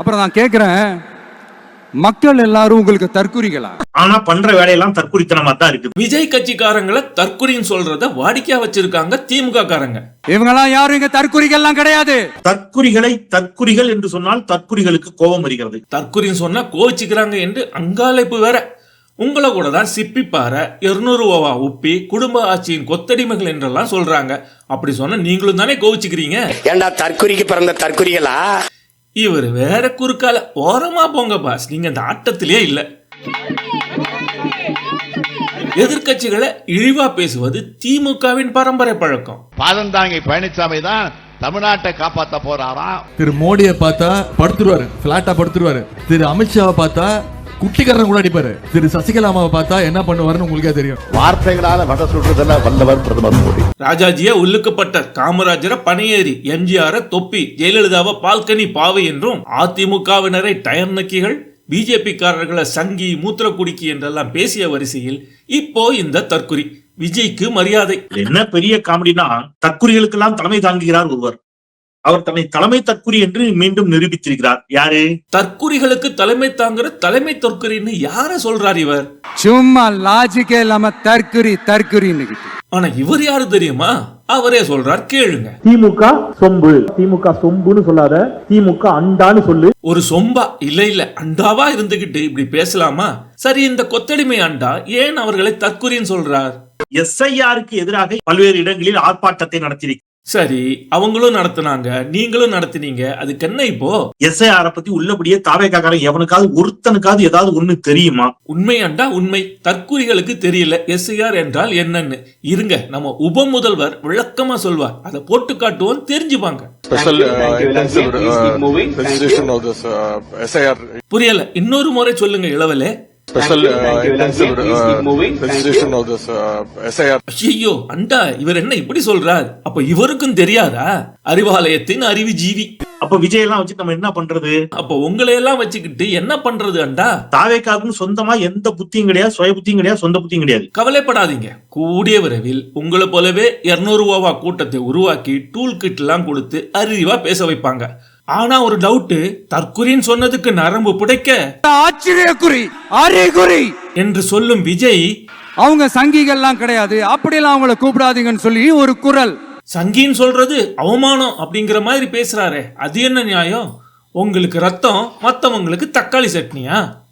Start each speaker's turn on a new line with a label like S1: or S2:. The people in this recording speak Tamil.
S1: அப்புறம் நான் கேக்குறேன், மக்கள் எல்லாரும் உங்களுக்கு தற்குறிகளா?
S2: ஆனா பண்ற வேலையெல்லாம் தற்குறித்தனமா தான் இருக்கு.
S3: விஜய் கட்சிக்காரங்களை தற்குறின்னு சொல்றத வாடிக்கையா வச்சிருக்காங்க திமுக காரங்க.
S1: இவங்கெல்லாம் யாரும் இங்க தற்குறிகள்லாம் கிடையாது.
S2: தற்குறிகளை தற்குறிகள் என்று சொன்னால் தற்குறிகளுக்கு கோபம் வருகிறது.
S3: தற்குறின்னு சொன்னா கோவிச்சுக்கிறாங்க என்று அங்காளைப்பு வேற. உங்களை கூட தான் சிப்பிப்பார 200 ரூபா உப்பி குடும்ப ஆட்சியின் கொத்தடிமைகள் என்றெல்லாம் சொல்றாங்க. அப்படி சொன்னா நீங்களும் தானே கோவிச்சுக்கிறீங்க.
S4: ஏண்டா தற்குறிக்கு பிறந்த தற்குறிகளா?
S3: இவர் வேற குறுக்கால ஓரமா போங்க பாஸ், நீங்க இந்த ஆட்டத்திலேயே இல்ல. எதிர்கட்சிகளை இழிவா பேசுவது திமுகவின் பரம்பரை பழக்கம்.
S5: பாதந்தாங்கி பழனிசாமி தான் தமிழ்நாட்டை காப்பாற்ற போறாராம்.
S6: திரு மோடியை பார்த்தா படுத்துருவாரு, பிளாட்டா படுத்துருவாரு. திரு அமித்ஷாவை பார்த்தா குட்டிக்காரன் கூட அடிப்பாரு. திரு சசிகலாமாவை பார்த்தா என்ன பண்ணுவாருன்னு உங்களுக்கே தெரியும்.
S5: வார்த்தைகளால வட சுடுறதுல வல்லவர் பிரதமர் மோடி.
S3: ராஜாஜிய உள்ளுக்குப்பட்ட காமராஜரை பனையேறி, எம்ஜிஆரை தொப்பி, ஜெயலலிதாவை பால்கனி பாவை என்றும், அதிமுகவினரை டயர் நக்கிகள், பிஜேபி காரர்களை சங்கி மூத்திர குடிக்கி என்றெல்லாம் பேசிய வரிசையில் இப்போ இந்த தற்குறி. விஜய்க்கு மரியாதை.
S2: என்ன பெரிய காமெடினா, தற்குறிகளுக்கெல்லாம் தலைமை தாங்குகிறார் ஒருவர். அவர் தன்னை தலைமை தற்குறி என்று மீண்டும் நிரூபித்திருக்கிறார். யாரு?
S3: தற்குறிகளுக்கு தலைமை தாங்குற தலைமை தற்குறின்னு யார சொல்றார் இவர்?
S1: சும்மா லாஜிக்கே இல்லாம தற்குறி தற்குறின்னு.
S3: ஆனா இவர் யாரு தெரியுமா? அவரே சொல்றார், கேளுங்க.
S7: திமுக சொம்பு, திமுக சொம்புன்னு சொல்லாத, திமுக அண்டான்னு சொல்லு.
S3: ஒரு சொம்பா? இல்ல அண்டாவா இருந்துகிட்டு இப்படி பேசலாமா? சரி, இந்த கொத்தடிமை அண்டா ஏன் அவர்களை தற்குறின்னு சொல்றார்?
S2: எஸ்ஐஆருக்கு எதிராக பல்வேறு இடங்களில் ஆர்ப்பாட்டத்தை நடத்தியிருக்கிறார்.
S3: சரி, அவங்களும் நடத்தினாங்க, நீங்களும் நடத்தினீங்க, அதுக்கு என்ன இப்போ?
S2: எஸ்ஐஆர் பத்தி உள்ளபடியே தாவேக்காரன் எவனுக்காவது ஒருத்தனுக்காவது ஏதாவது ஒண்ணு தெரியுமா?
S3: உண்மை அண்டா உண்மை. தற்குறிகளுக்கு தெரியல எஸ்ஐஆர் என்றால் என்னன்னு. இருங்க, நம்ம உப முதல்வர் விளக்கமா சொல்வார், அதை போட்டு காட்டுவோம், தெரிஞ்சுப்பாங்க. புரியல, இன்னொரு முறை சொல்லுங்க இளவலே. ஐயோ அண்டா, இவர் என்ன இப்படி சொல்றார்? அப்ப இவருக்கும் தெரியாதா? அறிவாலயத்தின் அறிவு ஜீவி.
S2: அப்ப விஜய் எல்லாம் வச்சு நம்ம என்ன பண்றது?
S3: அப்ப உங்களை எல்லாம் வச்சுக்கிட்டு என்ன பண்றது அண்டா?
S2: தாவேக்காவுக்கு சொந்தமா எந்த புத்தியும் கிடையாது, சுய புத்தியும் கிடையாது, சொந்த புத்தியும் கிடையாது.
S3: கவலைப்படாதீங்க, கூடிய விரைவில் உங்களை போலவே 200 ரூபா கூட்டத்தை உருவாக்கி டூல் கிட் எல்லாம் கொடுத்து அறிவா பேச வைப்பாங்க. ஆனா ஒரு டவுட், தற்குறின்னு சொன்னதுக்கு நரம்பு புடைக்க
S1: ஆச்சரியக்குறி, அறிகுறி
S3: என்று சொல்லும் விஜய்,
S1: அவங்க சங்கிகள்லாம் கிடையாது, அப்படியெல்லாம் அவங்கள கூப்பிடாதீங்கன்னு சொல்லி ஒரு குரல்.
S3: சங்கின்னு சொல்றது அவமானம் அப்படிங்கிற மாதிரி பேசுறாரே, அது என்ன நியாயம்? உங்களுக்கு ரத்தம், மத்தவங்களுக்கு தக்காளி சட்னியா?